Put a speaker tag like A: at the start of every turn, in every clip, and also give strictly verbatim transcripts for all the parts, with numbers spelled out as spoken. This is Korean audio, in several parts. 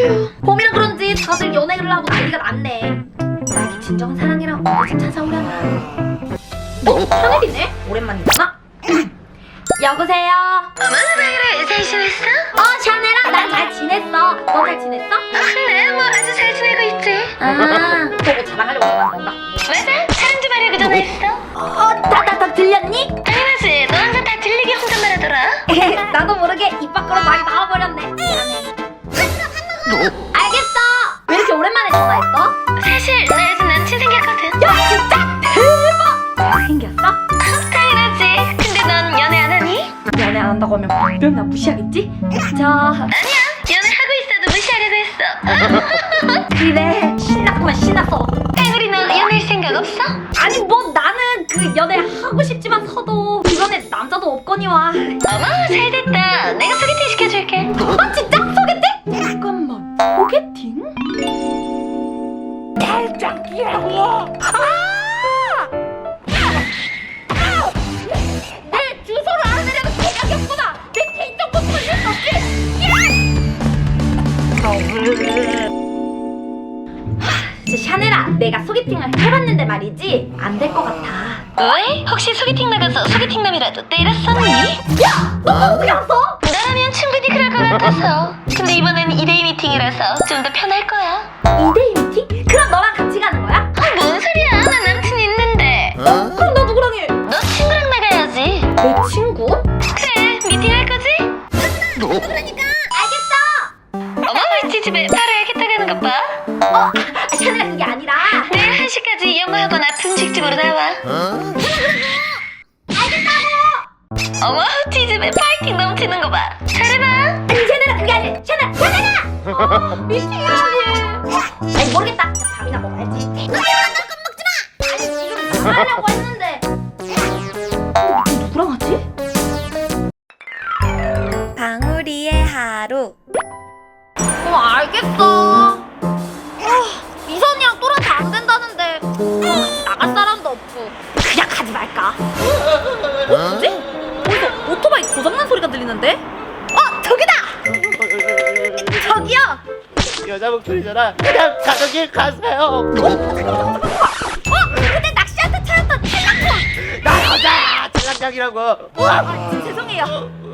A: 에휴, 봄이라 그런지 다들 연애를 하고 난리가 났네. 나에게 진정한 사랑이랑 언제쯤 찾아오려나. 어? 하늘이네? 오랜만이잖아? 여보세요?
B: 어머, 나이라 잘 지냈어?
A: 어, 샤넬아, 난 잘 지냈어. 너 잘 지냈어?
B: 아, 네, 뭐 아주 잘 지내고 있지.
A: 아, 너뭐 자랑하려고 전화한 건가?
B: 맞아, 사랑 좀 하려고 전화했어.
A: 어, 다, 다, 다 들렸니?
B: 당연하지, 너 혼자 다 들리게 혼잣말 하더라.
A: 나도 모르게 입 밖으로 말이 나와버렸네. 미안해. 알겠어. 왜 이렇게 오랜만에 전화했어?
B: 사실 나 요즘 남친 생겼거든.
A: 야, 진짜? 대박! 잘생겼어?
B: 당연하지. 근데 넌 연애 안 하니?
A: 연애 안 한다고 하면 분명 나 무시하겠지? 저...
B: 아니야, 연애하고 있어도 무시하려고 했어.
A: 그래, 신났구만 신났어.
B: 혜물이 너 연애할 생각 없어?
A: 아니 뭐 나는 그 연애 하고 싶지만 서도 주변에 남자도 없거니와.
B: 어머, 잘됐다. 내가 소개팅 시켜줄게.
A: 아 진짜? 소개팅? 잠깐만, 소개팅? 달짝이라고. 아! 내 주소를 알아내려면 생각이 없구나. 내 개인정보 걸릴 수 없지. 진짜 샤넬아, 내가 소개팅을 해봤는데 말이지 안 될 것 같아.
B: 왜? 혹시 소개팅 나가서 소개팅남이라도 때렸었니?
A: 야! 너 어떻게 알았어?
B: 나라면 충분히 그럴 것 같아서. 근데 이번엔 이 데이 미팅이라서 좀 더 편할 거야.
A: 이 데이 미팅? 그럼 너랑 같이 가는 거야?
B: 아, 뭔 소리야? 나 남친 있는데.
A: 그럼 나 누구랑 해?
B: 너 친구랑 나가야지.
A: 내 친구?
B: 그래, 미팅 할 거지?
A: 그러니까. 알겠어.
B: 어머, 우리 집에 바로 야겠다 가는 것 봐.
A: 어, 아, 샤넬아 그게 아니라.
B: 내일 한 시까지 영어학원 앞 음식집으로 나와.
A: 알겠다고.
B: 어머, 우리 집에 파이팅 넘치는 거 봐. 잘해봐.
A: 아니 샤넬아 그게 아니라. 샤넬아, 샤넬아. 어, 미팅이라니. 아니 모르겠다. 그냥 밥이나 먹어야지. 샤넬아 너 먹지 마. 아니 지금 전화하려고 했는데. 어, 미팅 누구랑 하지?
C: 방울이의 하루.
A: 어 알겠어. 아, 미선이랑 또라도 안 된다는데 아, 나갈 사람도 없고 그냥 가지 말까? 어? 뭐지? 어디서 오토바이 고장난 소리가 들리는데? 어 저기다! 저기요!
D: 여자 목소리잖아. 그냥 가는 길 가세요.
A: 어? 근데 낚시한테 차였던 찰랑콘!
D: 나 여자야. 찰랑장이라고.
A: 아 진짜 죄송해요.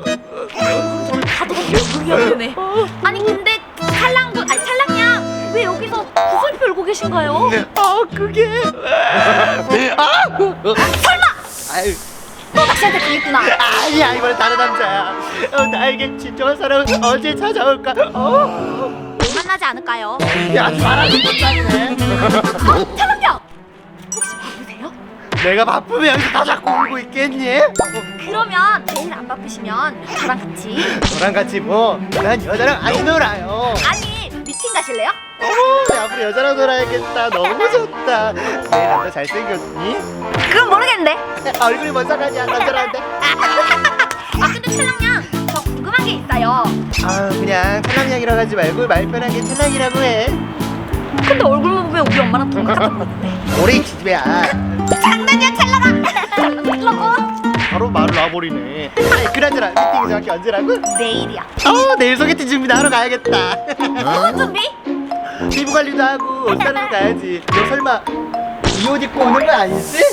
A: 가도가 계속 위험하네. 아니 근데 찰랑군 아니 찰랑양 왜 여기서 구슬 펴고 계신가요?
D: 아 그게. 아
A: 설마
D: 아유.
A: 또 낚시한테 당했구나.
D: 아니야 이번엔 다른 남자야. 어, 나에게 진정한 사람은 언제 찾아올까? 어?
A: 만나지 않을까요?
D: 야 말하는 것도
A: 어? 찰랑양 혹시 바쁘세요?
D: 내가 바쁘면 여기서 다 잡고 울고 있겠니?
A: 그러면 내일 안 바쁘시면 저랑 같이
D: 너랑 같이 뭐? 난 여자랑 안 놀아요.
A: 아니 미팅 가실래요?
D: 어머 앞으로 여자랑 놀아야겠다. 너무 좋다. 내 남자 잘생겼니?
A: 그건 모르겠는데.
D: 얼굴이 뭔 상관이야 남자라는데.
A: 아 근데 찰랑양 저 궁금한 게 있어요.
D: 아 그냥 찰랑이라고 하지 말고 말 편하게 찰랑이라고 해.
A: 근데 얼굴만 보면 우리 엄마랑 동갑같은 거 같은데.
D: 오래 기집애야.
A: 장난이야 찰랑아. 장난이라고.
D: 바로 말을 놔버리네. 아니 그나저나 미팅이 정확히 언제라고?
A: 내일이야.
D: 어 내일 소개팅 준비하러 가야겠다.
A: 무슨 준비?
D: 피부 관리도 하고 옷 사러 가야지. 너 설마 이 옷 입고 오는 거 아니지?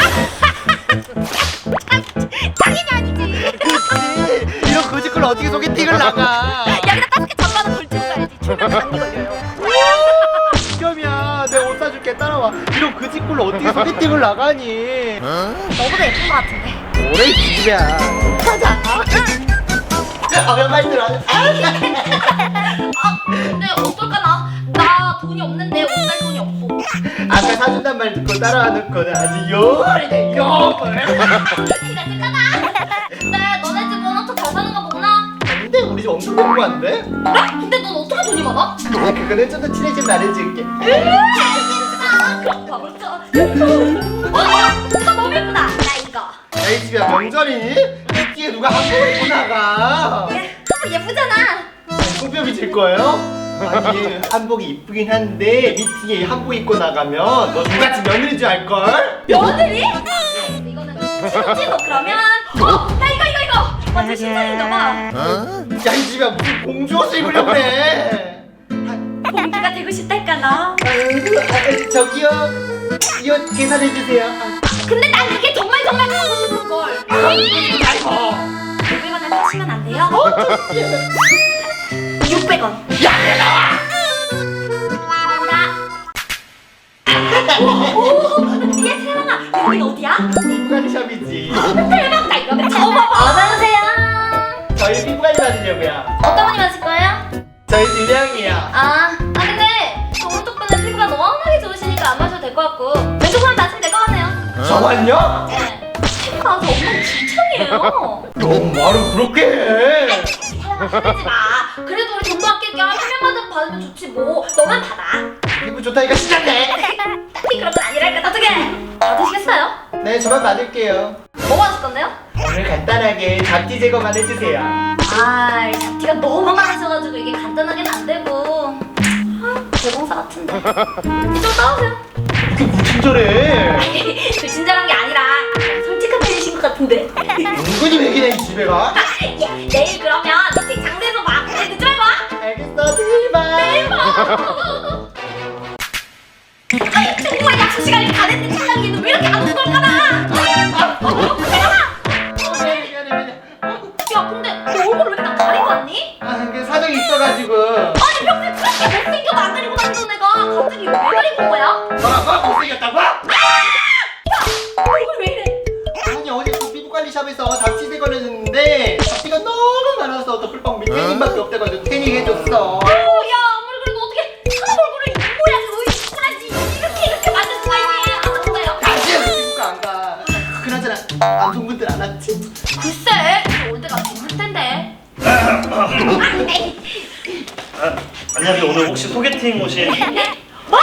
A: 당연히 아니지.
D: 그치. 이런 거짓걸로 어떻게 소개팅을 나가?
A: 여기다 따뜻하게 잠바는 걸치고 가야지. 출면 감기 걸려요.
D: 시험이야. 내가 옷 사줄게 따라와. 이런 거짓걸로 어떻게 소개팅을 나가니?
A: 너보다 예쁜 거 같은데.
D: 오래 기집애야. 가자. 아, 몇 마디 들어.
A: 아 근데 어떨까나? 나 돈이 없는데 옷 살 돈이 없어.
D: 아까 사준단 말 듣고 따라와 놓고는 아주 요물이네 요물.
A: 티가 쓸까나? 근데 너네 집 워낙 잘 사는 거 보나?
D: 근데 우리 집 엄청 너무한데?
A: 그래? 근데 넌 어떻게 돈이 많아?
D: 아 그거는 좀 더 친해지면 말해줄게.
A: 알겠어. 그럼 가볼까? 어? 어? 나 너무 예쁘다. 나 이거.
D: 너희 집이야 명절이니? 이 뒤에 누가 한복을 입고 나가?
A: 한번 예쁘잖아.
D: 송편이 질 거예요? 아니 한복이 이쁘긴 한데 미팅에 한복 입고 나가면 너 누같이 며느리인 줄 알걸?
A: 며느리? 이거는 치우지 너 그러면. 어? 나 이거 이거 이거. 완전 신상인가 봐.
D: 야 이 집이야 무슨 공주 옷을 입으려고 그래? 아,
C: 되고 싶달까 너?
D: 아, 저기요. 이 옷 계산해 주세요. 아,
A: 근데 난 그게 정말 정말 가고 싶은 걸.
D: 아이고.
C: 오백 원에 사시면 안 돼요?
A: 육백 원.
D: 야, 야, 나와.
C: 얘 세랑아 여긴 어디야?
D: 피부관리샵이지.
A: 대박 나 이거 잡아봐. 어서 오세요.
D: 저희 피부관리 받으려고요.
A: 어떤 분이 마실 거예요?
D: 저희 두 명이요.
A: 아, 아 근데 저 오른쪽 분은 피부가 워낙에 좋으시니까 안 마셔도 될 것 같고 왼쪽 분은 마시면 될 것 같네요.
D: 저만요?
A: 네. 피부가 아주 엉망진창이에요.
D: 너무 말을 그렇게 해.
A: 사랑아 화내지 마. 그래도 우리 돈도 아낄 겸 한 명만 더 받으면 좋지 뭐. 너만 받아.
D: 피부 좋다니까 신났네.
A: 딱히 그런 건 아니랄까. 어떻게? 받으시겠어요?
D: 네, 저만 받을게요.
A: 뭐 마실 건데요?
D: 오늘 간단하게 잡티 제거만 해주세요.
A: 아, 잡티가 너무 많으셔가지고 이게 간단하게는 안 되고. 아, 대공사 같은데. 좀 싸우세요.
D: 그게 무슨 저래?
A: 그 친절한 게 아니라 솔직한 편이신 것 같은데.
D: 은근히 맥이네 이 집애가.
A: 야, 내일 그러면 미팅 장소에서 봐. 네, 늦지 말고 와.
D: 알겠어, 제발.
A: 내일 봐. 아니, 정말 약속 시간이 다 됐는데 차장님은 왜 이렇게 안 걸까나? 어,
D: 미안해, 미안해, 미안해.
A: 야, 근데 너 얼굴 왜 이렇게 다 가리고 왔니?
D: 아, 그 사정이 있어가지고.
A: 아니, 평소에 그렇게 못생겨도 안 가리고 다니던 애가 갑자기 왜 가리고 온 거야?
D: 뭐라고? 못생겼다고?
A: 얼굴 왜 이래?
D: 아니, 어제 그 피부관리샵에서 잡티 제거를 했는데 잡티가 너무 많아서 덮을방 밑에 힘밖에 없대가지고 태닝 해줬어.
A: 어, 야, 아무리 그래도 어떻게 사람 얼굴을 이 모양으로 이쁘라지 이렇게 이렇게 만들 수가 있니? 안 아픈가요?
D: 당신 피부과 안 가. 그나저나 안 좋은 분들 안 왔지?
A: 글쎄, 올 때가 좋을 텐데.
E: 아, 안녕하세요. 오늘 혹시 소개팅 오신?
A: 와,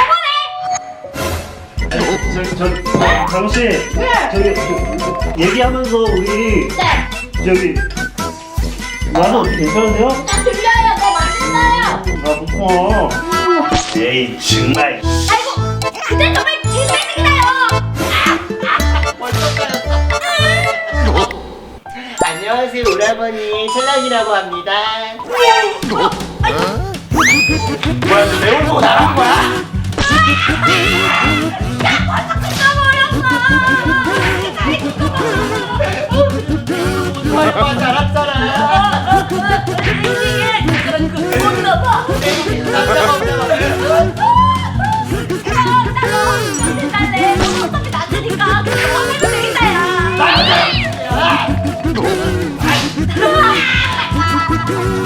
A: 저번에!
E: 저기 저 강우 씨. 저기 그, 얘기하면서 우리
A: 네,
E: 저기 나는 어떻게 괜찮은데요?
A: 나 들려요. 너 맛있어요.
E: 아 그렇구나. 에이 정말.
A: 아이고, 그때 정말 제 생일이다요.
D: 벌써 까였어. 안녕하세요, 오라버니. 찰랑이라고 합니다. 뭐야, 너 내 얼굴 보고 나간 거야? 오빠 잘했잖아.
A: 못나봐.
D: 남자가 없잖아.
A: 달래. 어차피 낮으니까 하면 되겠다야.
D: 야!